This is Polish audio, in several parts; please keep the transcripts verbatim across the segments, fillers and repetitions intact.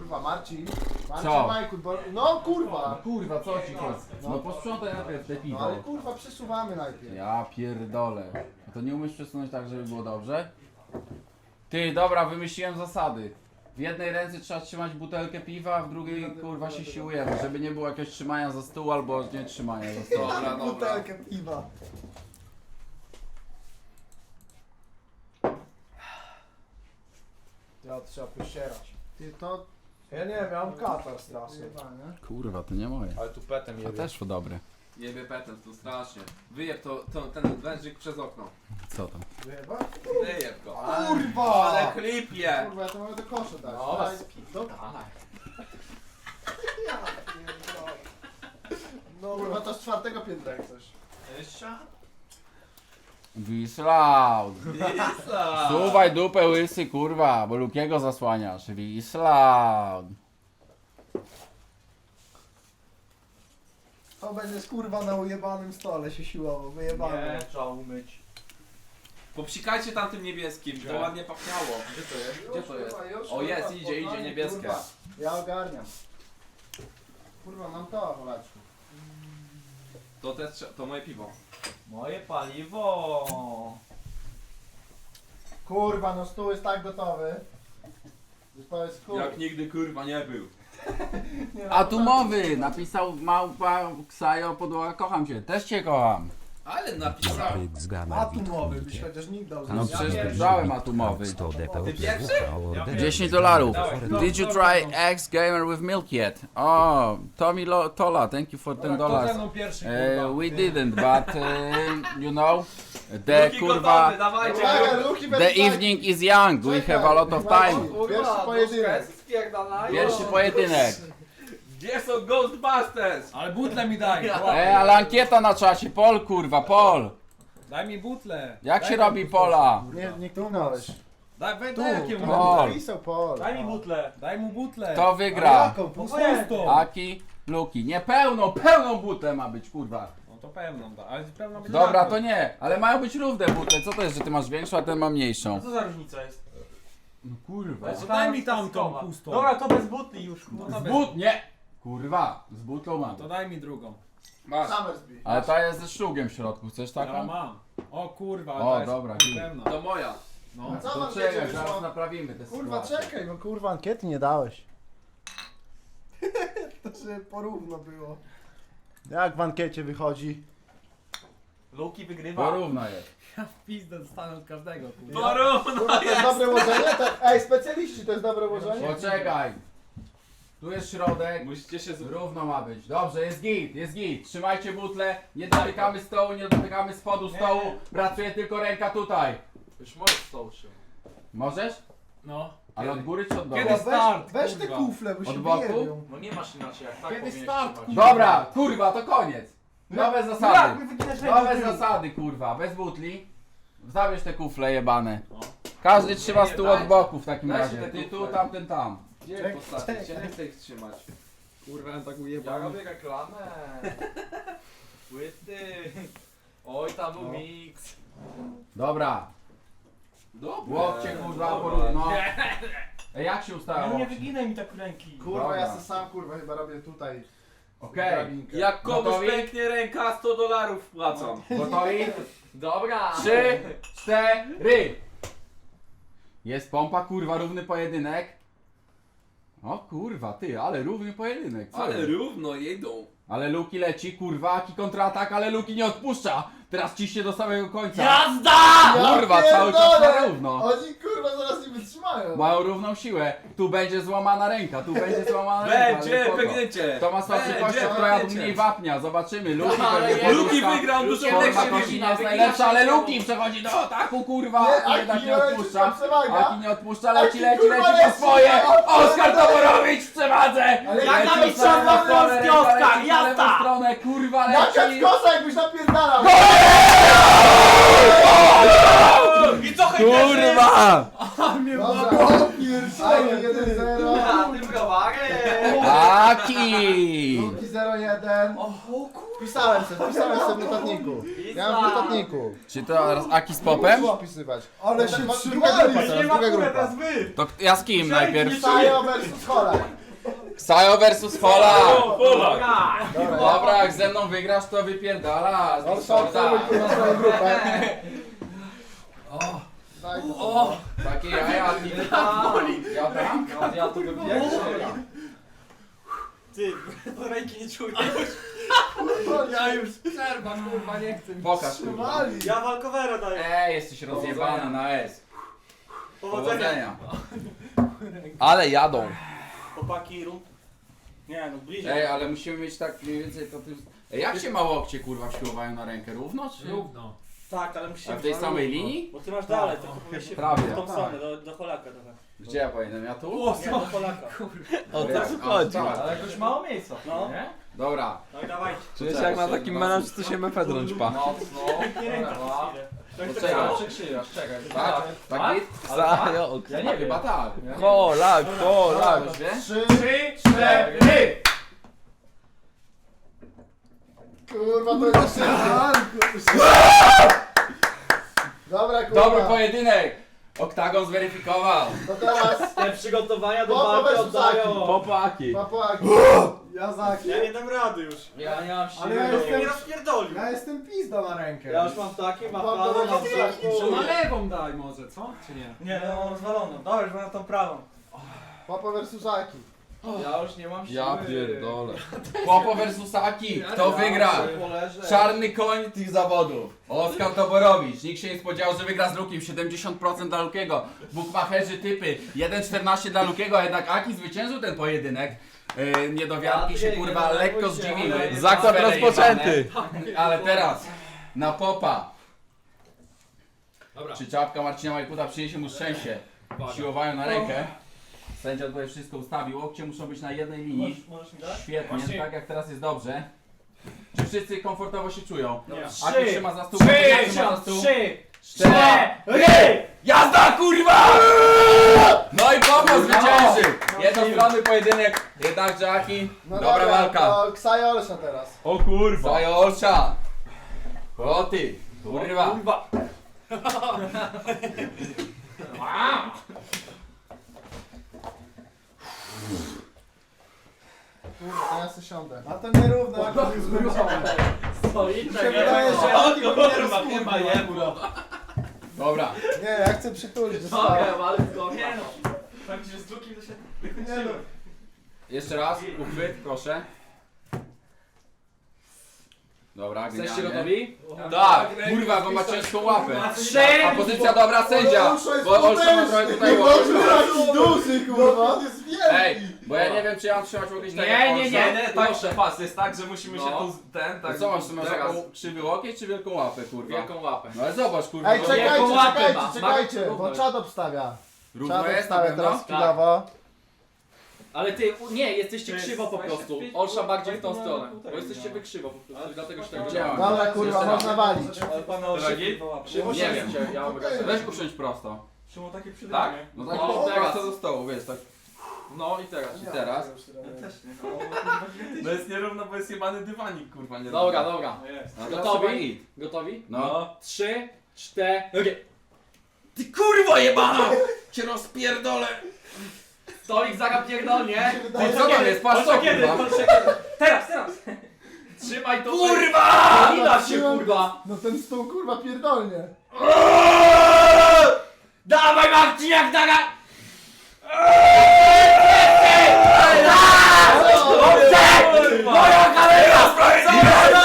Kurwa, Marcin. Marcin Co? Majku, bo... No kurwa. Kurwa, co ci chodzi? No posprzątaj najpierw te No piwo. ale kurwa, przesuwamy najpierw. Ja pierdolę. A to nie umiesz przesunąć tak, żeby było dobrze? Ty, dobra, wymyśliłem zasady. W jednej ręce trzeba trzymać butelkę piwa, a w drugiej kurwa się siłujemy, żeby nie było jakiegoś trzymania za stół albo nie trzymania za stół. Dobra, dobra. Butelkę piwa. Ja trzeba pościerać. Ty to... Ja nie wiem, ja mam katar straszny. Zjebane. Kurwa, to nie moje. Ale tu petem A jebie. też dobre. Jebie petem, to strasznie. Wyjeb to, to, ten wężyk przez okno. Co tam? Wyjeba? Wyjeb go. Kurwa! Ale klipie! Kurwa, ja to mogę do kosza dać. No, Daj- was do... No kurwa, to z czwartego piętra jak coś. Wislaud! Wisla! Suwaj dupę łysy, kurwa, bo Lukiego zasłaniasz. Wislaud! To będzie kurwa na ujebanym stole się siłowo, wyjebane. trzeba umyć. Popsikajcie tam tym niebieskim, to ładnie pachniało. Gdzie to jest? Gdzie to jest? Kurwa, już, O jest, kurwa, idzie, idzie, spokojnie, niebieskie. kurwa. Ja ogarniam. Kurwa, mam to, Wolaczku. To też, trze- to moje piwo. Moje paliwo. Kurwa, no stół jest tak gotowy. Że to jest chuj. Jak nigdy kurwa nie był. Nie, no, Atumowy! Napisał małpa Ksajo podłoga, kocham cię. Też cię kocham. Ale napisał. Atomowy byś chociaż nikt dał. No zjeść. przecież brałem atumowy. Ty pierwszy? dziesięć dolarów. Dawaj, no, Did you try X Gamer with milk yet? Oh, Tommy Lo Tola, thank you for ten dollars. pierwszy, Uh, we didn't, but uh, you know, the Luki gotowy, kurwa, dawajcie. Czekaj, Luki the będzie evening is young. We have a lot of time. Pierwszy pojedynek. Pierwszy pojedynek. Gdzie są Ghostbusters? Ale butle mi daj. E, ale ankieta na czasie, Pol kurwa, Pol. Daj mi butle. Jak Daj się mi robi butle. Pola? Nie, nie kliknąłeś. Daj, daj, Tu, daj jakiemu tu, Pol. napisał Pol. Daj mi butle. Daj mu butle. Kto wygra? Jaką? No Pustą? pustą. Aki, Luki. Nie pełną, pełną butlę ma być, kurwa. No to pełną da, ale pełną będzie Dobra, taką. to nie, ale mają być równe butle. Co to jest, że ty masz większą, a ten ma mniejszą? Co za różnica jest? No kurwa. To daj mi tamtą pustą. Dobra, to bez butli już. No kurwa. to Z bez- but, nie! Kurwa, z butlą mam. To daj mi drugą. Masz. Summersby. Ale ta jest ze szlugiem w środku, chcesz Ja taką? mam. O kurwa, O, ta jest dobra, pełna. To moja. No. Co To wam czekaj, wiecie, zaraz wyszło? naprawimy te Kurwa, sytuacje. czekaj, bo kurwa ankiety nie dałeś. To żeby porówno było. Jak w ankiecie wychodzi? Luki wygrywa. Porówno jest. Ja w pizdę dostanę od każdego, kurwa. Porówno Kurwa, to jest dobre łożenie? To, ej, specjaliści, to jest dobre łożenie? Poczekaj. Tu jest środek. Musicie się z... Równo ma być. Dobrze, jest git, jest git. Trzymajcie butlę, nie dotykamy stołu, nie dotykamy spodu stołu. Pracuje tylko ręka tutaj. Już możesz stołu się. Możesz? No. Ale od góry czy od dołu? Kiedy Weź, start, weź te kurwa. kufle, bo Od się boku? wyjebią. No nie masz inaczej jak tak Kiedy powinieneś start, trzymać. kurwa? Dobra, kurwa, to koniec. Nowe No jak zasady. my wyginasz Nowe rękę? zasady, kurwa, bez butli. Zabierz te kufle jebane. No. Każdy trzyma Nie, stół dajcie. od boku w takim Dajcie razie. te Ty tu, kufle. tamten tam. Gdzie je Czek- postawić? czekaj. Ja nie chcę ich trzymać. Kurwa, ja tak Ja ujebałem. robię reklamę. Płyty. Oj, tam był No. miks. Dobra. Dobra. Łokcie, kurwa, porówno. Ej, jak się ustała No nie łokcie? wyginaj mi tak ręki. Kurwa, Dobra. ja se sam kurwa chyba robię tutaj. Okej. drabinkę. Jak komuś Gotowi? pęknie ręka, sto dolarów wpłacam. Gotowi? Dobra. Trzy, cztery. Jest pompa, kurwa, równy pojedynek. O kurwa, ty, ale równy pojedynek. Co Ale jest? równo jedą. Ale Luki leci, kurwa, Aki kontratak, ale Luki nie odpuszcza. Teraz ciśnie do samego końca. Jazda! Kurwa, Ja cały czas pierdolę! na równo. Oni kurwa zaraz nie wytrzymają. Mają równą siłę. Tu będzie złamana ręka, tu będzie złamana ręka. ale Będzie spoko. pęknięcie. Kto ma słabszy Będzie kościół, kto jadł pęknięcie. mniej wapnia. Zobaczymy. Luki Ale pewnie jest- Luki poduszka. wygrał, Luki Kurwa, Aleksie Kosin wygina. jest najlepszy, ale Luki przechodzi do ataku, kurwa. Nie, Aki jednak Aki nie leci, odpuszcza. tam przewaga. Aki nie odpuszcza, leci, Aki, leci, kurwa, leci po leci. swoje. O, Oskar kurwa, Toborowicz w przewadze. Ale jak Leci na w mistrza lewą stronę, Polski ręka Oskar, leci na lewą jazda. stronę, kurwa, Jaka leci. skosa jakbyś napierdalał! I co hejterzy? Kurwa! Dobra, pierdolę, jeden zero. Na tym browarem. Aki! Luki zero jeden. O kurwa. Wpisałem se, wpisałem se w notatniku. Ja mam w notatniku. Czy to teraz Aki z popem? Muszę opisywać. Ale To się ma- trzymali. Druga grupa, teraz, Nie ma druga kurwa, grupa. teraz wy. To ja z kim najpierw? Sajo versus Kolak. Ksajo versus Hola! Dobra. Dobra, jak ze mną wygrasz, to wypierdala. On szansowy kurwa swoją grupę. Daj to. Takie jaja, ty ja tam? No, ja tu bym pierwszy. Ty, to ręki nie czuję. Ja już przerwa, kurwa, nie chcę. Pokaż kurwa. Wali. Ja walkowera daję. Ej, jesteś rozjebany na S. Powodzenia. Powodzenia. Ale jadą. Chłopaki, rund. Nie no, bliżej. Ej, ale musimy mieć tak mniej więcej to ty... Ej, jak się ma łokcie kurwa siłowają na rękę? Równo czy? Równo. Tak, ale musimy... A w tej samej linii? Bo ty masz dalej, to powinien się Prawie. w tą stronę, do, do Polaka trochę. Gdzie ja powinienem? Ja tu? Nie, do Polaka. O co chodzi? Ale jakoś mało miejsca, No. nie? Dobra. No i dawajcie. Czujesz jak na takim melanż, co się mefedron ćpa. Mocno. Nie ręka przez chwilę. Tak, tak, Poczekaj. tak. Przekrzywasz, czekaj. Tak? Tak git? Zajo. Ja nie wiem. Chyba tak. Kolak, kolak. Ktoś wie? Trzy. Trzy, cztery! Kurwa to jest szybko. Dobra kurwa. Dobry pojedynek! Oktagon zweryfikował. To teraz Te przygotowania do Popo walki versus oddają. Aki. Popaki. papłaki. Ja Zaki. Ja nie dam rady już. Ja nie mam Ale ja Ja jestem- mnie rozpierdolił. Ja jestem pizda na rękę. Ja już mam takie, mam Popo prawo, mam versus Aki. To na prawo. lewą daj może, co? Czy nie? Nie, no mam rozwaloną. Dobra, już mam tą prawą. Papa versus Aki. Ja już nie mam siły. Ja pierdolę. Popo versus Aki. Kto wygra? Czarny koń tych zawodów. Oskar Toborowicz. Nikt się nie spodziewał, że wygra z Lukiem. siedemdziesiąt procent dla Lukiego. Bukmacherzy typy. jeden czternaście dla Lukiego, a jednak Aki zwyciężył ten pojedynek. Yy, niedowiarki się Patryk, kurwa nie lekko denerwuj się, zdziwiły. ale- Zakład Afera rozpoczęty. Ale teraz na Popa. Dobra. Czy czapka Marcina Majkuta przyniesie mu szczęście? Siłowają na rękę. Sędzia tutaj wszystko ustawił. Łokcie muszą być na jednej linii. Możesz, możesz mi dać? Świetnie, Właśnie- tak jak teraz jest dobrze. Czy wszyscy komfortowo się czują? Nie. Aki trzyma za stół, Trzy, Aki trzyma za stół. trzy, Cztery. cztery! Jazda kurwa! No i Popo zwyciężył! Jednostronny pojedynek, jednakże Aki, No dobra walka. To Ksajo Olsza teraz. O kurwa! Zajo Olsza! O ty, kurwa! Kurwa. Kurwa, to ja se siądę. A to nierówno, jak to jest zmęczony. Stoi, Mi się wydaje, że O Aki kurwa, chyba jebło. Dobra, Nie, ja chcę przytulić do stołu. Mogę, ale to nie no. Tak, że z drukim to się Nie no. wykończyłem. jeszcze raz, uchwyt, proszę. Dobra, Jesteście genialnie. gotowi? Tak, kurwa, bo ma ciężką łapę. Trzy! A pozycja dobra sędzia, Olsza jest bo Olsza ma trochę tutaj Kurwa, łapę. taki duży kurwa. On jest wielki. Ej, bo ja nie wiem czy ja mam trzymać łokieć tak jak Nie, nie, Olsza. nie, nie, tak, pas, jest tak, że musimy się No. tu z- ten, A tak. co masz, ty masz teraz. taką krzywy łokieć czy wielką łapę, kurwa? Wielką łapę. No ale zobacz, kurwa. Ej, no, czekajcie, Jaką łapę czekajcie, ma? czekajcie, Ma- bo czad obstawia. Równo Czad jest na obstawia pewno? teraz chwilowo. Ale ty, u- nie, jesteście To jest krzywo po prostu. Olsza bardziej w tą stronę. Bo jesteście wy krzywo po prostu, dlatego się tak Gdzie dzieje. mam? Dobra kurwa, Jeszcze raz. można walić. Ale pana Drogi? oszczędzi łapy. Nie wiem. Ja mam Weź usiądź prosto. Szymon takie przy Tak? No tak, No, no, teraz. prosto do stołu, wiesz, tak. No i teraz. I teraz? Ja też nie. No jest nierówno, bo jest jebany dywanik, kurwa, nie Dobra, dobra. No jest. No to Gotowi? trzeba git. Gotowi? No. Trzy, cztery. Ty kurwo jebana! Cię rozpierdolę! Stolik zaga pierdolnie. Ty co tam jest? Patrz co, kiedy? kurwa! Teraz, teraz! Trzymaj to. Kurwa! Nie da się kurwa. No ten stół kurwa pierdolnie. Dawaj Marcin jak daga. Moja kamera sprawiedliwa!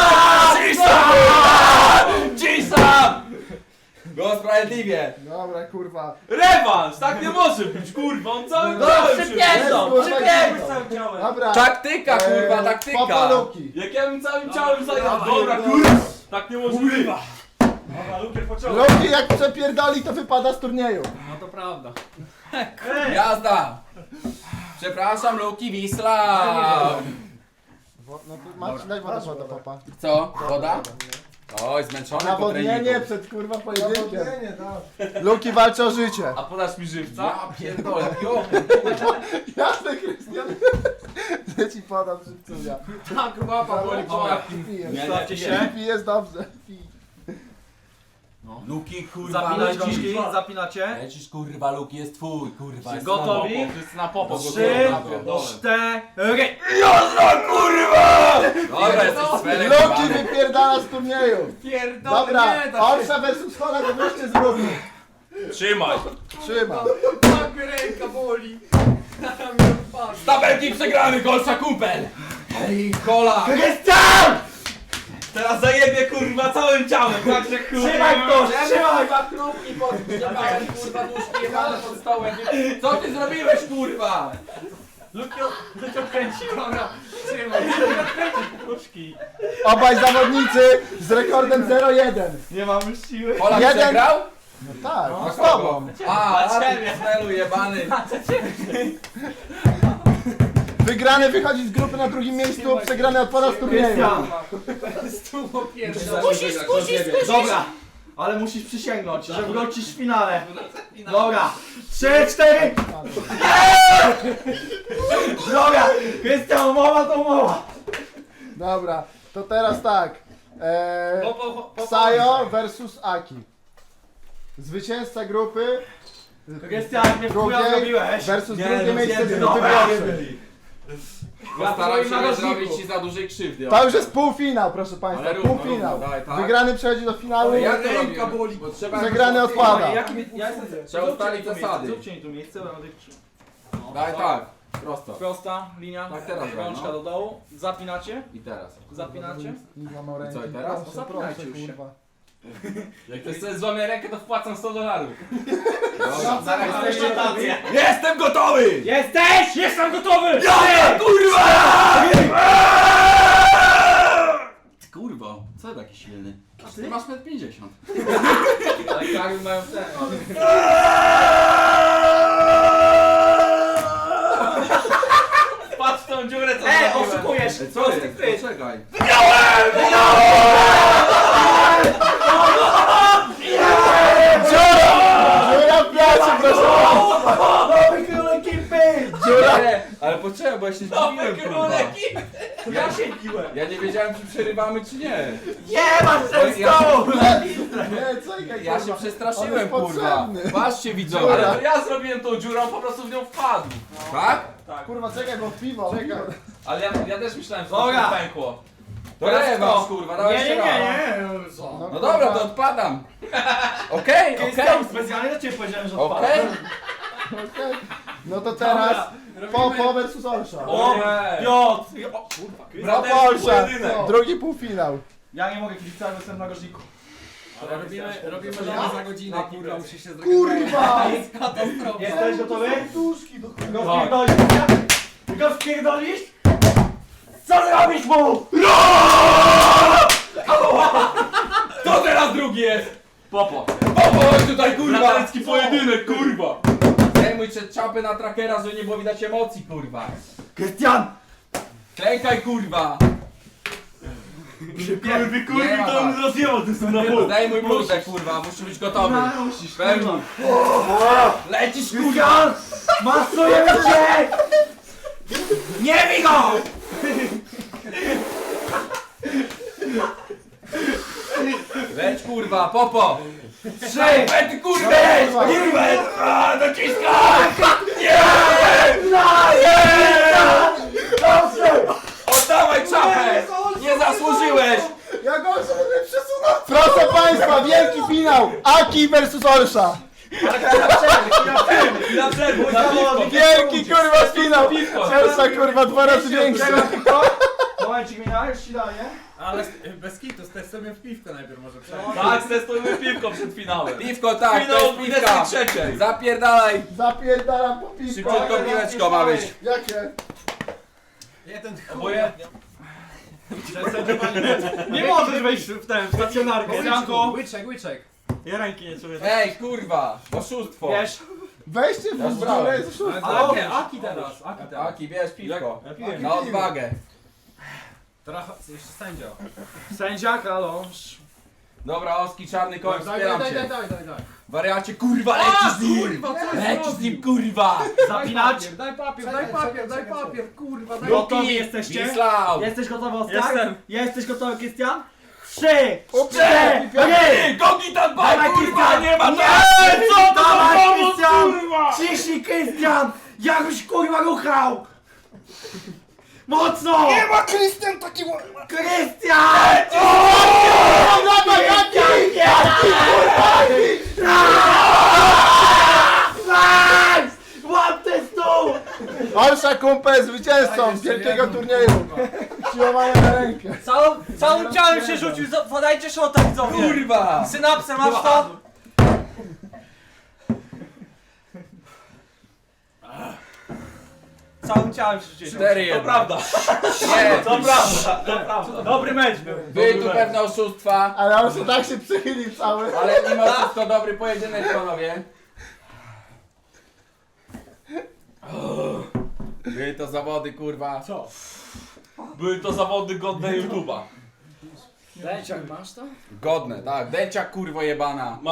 Cisam! Było sprawiedliwie! Dobra kurwa. Rewanż! Tak nie może być, kurwa, on cały No, cały przypierdol, kurwa, przypierdol. kurwa. Całym ciałem. Dobra. Taktyka, kurwa, Eee, taktyka! Papa Luki. Jak ja bym całym ciałem zajęł. Ja Dobra, pierdolę. kurwa! Tak nie może być! Dobra, lukier pociągnął. Luki jak przepierdoli to wypada z turnieju. No to prawda. Jazda! Przepraszam, Luki Wisla! Wo- No to Marcin, daj wodę wodę papa. Co? Woda? Oj, zmęczony po Nawodnienie treningu. przed kurwa pojedynkiem. Nawodnienie, tak. Luki walczy o życie. A podasz mi żywca? Ja pierdolę, jo! Jasne, Krystian. Ja ci podam żywcuja. Tak, łapa boli po łapie. Pijesz. Nie, nie, Stawcie nie. się. Pijesz dobrze. Pij. Luki, kurwa, Zapinać lecisz. rączki, zapinacie. Lecisz, kurwa, Luki jest twój, kurwa. jest Gotowi? na popo. Wszyscy na popo. Trzy, Pierdolę. cztery. Dobra, jesteś sferek, Loki wypierdala z turnieju. Pierdolę, Dobra, nie da się. Olsza versus Hola, to wreszcie zróbmy. Trzymaj. Trzyma. Tak ręka boli. Tabelki przegrany, golsza kumpel. Ej, kola. Teraz zajebie kurwa całym ciałem, tak że kurwa. Trzymaj to, trzymaj. Kurwa, krupki pod, zjebałem, kurwa, nóżki jebane pod stołem. Co ty zrobiłeś, kurwa? Lukio, Lukio kręci. Dobra, trzymaj. Nóżki. Obaj zawodnicy z rekordem zero jeden. Nie mam już siły. Kola Jeden. przegrał? No tak, A z tobą. A, Dla a ciebie. ty celu jebany. Wygrany wychodzi z grupy na drugim miejscu, przegrany odpada z turnieju. Skusisz, skusisz, skusisz. Dobra, ale musisz przysięgnąć, że wrócisz w finale. Dobra, trzy, cztery. Dobra, Krystian, umowa to umowa. Dobra, to teraz tak. Eee, Popo, popo. Ksajo versus Aki. Zwycięzca grupy Krystian, mnie w chuja drugiej zrobiłeś. versus Nie, drugie no miejsce zjedy, grupy dobra. pierwszej. Postaram się nie narożniku. zrobić ci za dużej krzywdy. To już jest półfinał, proszę Państwa, Ale równo, półfinał. równo, daj, tak. Wygrany przechodzi do finału, Ale jak to Ręka robimy? boli. Bo trzeba... przegrany odpada. Jaki mi- ja jestem... Trzeba ustalić zasady. Zróbcie mi tu miejsce, bo ja będę krzył. Daj tak, prosto. Prosta linia. Tak teraz daj, Rączka no. do dołu. Zapinacie. I teraz. Zapinacie. Nie złamał ręki. co, i teraz? Proszę, Zapinajcie proszę, już się. kurwa. Jak ktoś sobie złamie rękę, to wpłacam sto dolarów. Dobra. Zaraz jeszcze tację. Jestem gotowy! Jesteś! Jestem gotowy! Ja, kurwa! Ty kurwo, co ty taki silny? Ty masz metr pięćdziesiąt. Ale kary mają ten. Patrz w tą dziurę, co E, zrobiłem. oszukujesz! Co jest? Poczekaj. Dziura w piacie, proszę Państwa. Nowy król ekipy! Dziura. Nie, ale poczekaj, bo ja się zdziwiłem, kurwa. Ja się biłem. Ja nie wiedziałem, czy przerywamy, czy nie. Nie masz Bo ten ja, stołu! Nie, czekaj, ja kurwa. się przestraszyłem, On jest kurwa. potrzebny. Patrzcie, widzowie. Ale to ja zrobiłem tą dziurę, on po prostu w nią wpadł. Tak? Kurwa, czekaj, bo piwo. Czekaj. Ale ja, ja też myślałem, że to Dobra. się pękło. To Teraz rewanż, kto? kurwa, dawaj Nie, nie, jeszcze nie, raz. nie. No dobra, to odpadam. Okej, okej. Krystian, specjalnie do ciebie powiedziałem, że odpadam. Okej. Okej. No to teraz Popo versus Olsza. O, Piotr! Popo Olsza, pojedynek. drugi półfinał. Ja nie mogę kibicować, bo jestem na gorzniku. Robimy, robimy za godzinę, kurwa, musi się Kurwa! Jesteś gotowy? Duszki do Go wpierdolisz? Go wpierdolisz? Co zrobisz mu? Kto teraz drugi jest? Popo. Popo, chodź tutaj, kurwa. Braterski pojedynek, kurwa. Zdejmuj się czapy na trackera, żeby nie było widać emocji, kurwa. Krystian! Klękaj, kurwa. Kurwy, Nie kurwy, ma to on was. rozjebał ty są na pół. Zdejmuj bluzę, kurwa, musisz być gotowy. Musisz, Pełni. Lecisz, kurwa. Krystian! Masujemy cię! Nie bij go! Leć, kurwa, popo. Trzy! Ej, kurwa. Kurwa. A, dociskaj. Oddawaj czapę. Nie zasłużyłeś. Ja go sobie przesunął. Proszę Państwa, wielki finał. Aki versus Olsza. Na przerwę, na piwko. Wielki kurwa finał. Olsza kurwa dwa razy większy. Momencik mina, już ci daję. Ale bez kitu, testujemy w piwko najpierw może przejść. Tak, testujmy piwko przed finałem. Piwko, tak, to Finał jest piwka. trzeciej. Zapierdalaj. Zapierdalam po piwko. Szybciutko piłeczko ma być. Jakie? Jeden Oboje? Nie możesz wejść w tę stacjonarkę. Janko! Łyczek, łyczek. Ja ręki nie czuję. Ej, kurwa, oszustwo. Wiesz? Weźcie Ja w zbrałem. dziurę z szóstką. Ale nie, Aki teraz. Aki teraz. Aki, bierz piwko. Ja piłem. Na odwagę. Trochę, jeszcze sędzia. Sędzia, kralosz. Dobra, Oski, czarny koń, Daj, daj, wspieram daj, daj, cię. daj, daj, daj. Wariacie, kurwa, lecisz z nim. Kurwa, co Lecisz z nim, zrobił? kurwa. Zapinać. Daj papier, Czekaj, daj papier, czekaj, daj czekaj, papier, kurwa, daj Gotowi Luki, jesteście? Wisław. Jesteś gotowy, Oskar? Jestem. Jesteś gotowy, Krystian? trzy, cztery! Gogi tam Dawaj, Krystian! nie ma Nie! co to za Dawaj, pomoc, Krystian! kurwa! Ciśnij, Krystian! Jakbyś kurwa ruchał! Mocno! Nie ma Krystian taki... Krystian! Dawaj, Aki! Nice! Łap ten stół! Olsza kumpel zwycięzcą wielkiego turnieju. Siłowanie na rękę. Całą, całym ciałem się rzucił, za- podajcie szota widzowie. Kurwa! Synapsę, masz to? Całym ciałem się rzucił. cztery jeden. To prawda, Nie, to prawda, to prawda. Dobry mecz był. były tu pewne oszustwa, Ale Olsza tak się przychylił cały. ale mimo wszystko dobry pojedynek, panowie. Były to zawody, kurwa. Co? Były to zawody godne YouTube'a. Leciak, masz to? Godne, tak. Dęcia, kurwo jebana.